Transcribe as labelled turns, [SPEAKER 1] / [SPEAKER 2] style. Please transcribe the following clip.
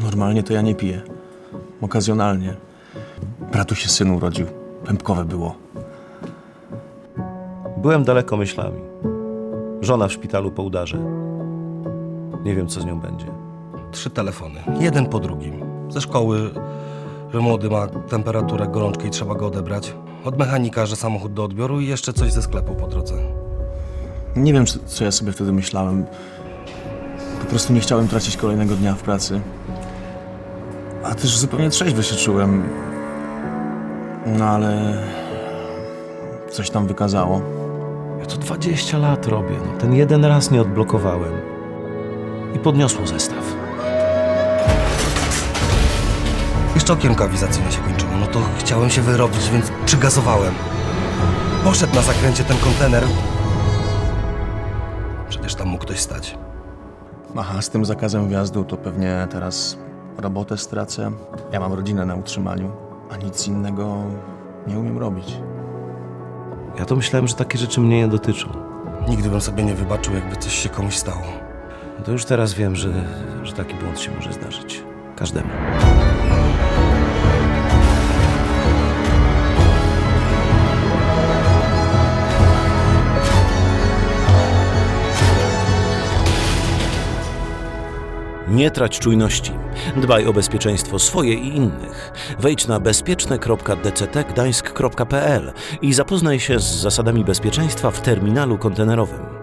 [SPEAKER 1] Normalnie to ja nie piję. Okazjonalnie. Bratu się syn urodził. Pępkowe było.
[SPEAKER 2] Byłem daleko myślami. Żona w szpitalu po udarze. Nie wiem, co z nią będzie.
[SPEAKER 3] 3 telefony, jeden po drugim. Ze szkoły, że młody ma temperaturę, gorączkę i trzeba go odebrać. Od mechanika, że samochód do odbioru i jeszcze coś ze sklepu po drodze.
[SPEAKER 1] Nie wiem, co ja sobie wtedy myślałem. Po prostu nie chciałem tracić kolejnego dnia w pracy. A też zupełnie trzeźwy się czułem. No ale... coś tam wykazało.
[SPEAKER 2] Ja to 20 lat robię. No, ten jeden raz nie odblokowałem. I podniosło zestaw.
[SPEAKER 3] Jeszcze okienko awizacyjne się kończyło, no to chciałem się wyrobić, więc przygazowałem. Poszedł na zakręcie ten kontener. Przecież tam mógł ktoś stać.
[SPEAKER 1] Aha, z tym zakazem wjazdu to pewnie teraz robotę stracę. Ja mam rodzinę na utrzymaniu, a nic innego nie umiem robić.
[SPEAKER 2] Ja to myślałem, że takie rzeczy mnie nie dotyczą.
[SPEAKER 3] Nigdy bym sobie nie wybaczył, jakby coś się komuś stało.
[SPEAKER 2] No to już teraz wiem, że taki błąd się może zdarzyć. Każdemu. Nie trać czujności. Dbaj o bezpieczeństwo swoje i innych. Wejdź na bezpieczne.dctgdańsk.pl i zapoznaj się z zasadami bezpieczeństwa w terminalu kontenerowym.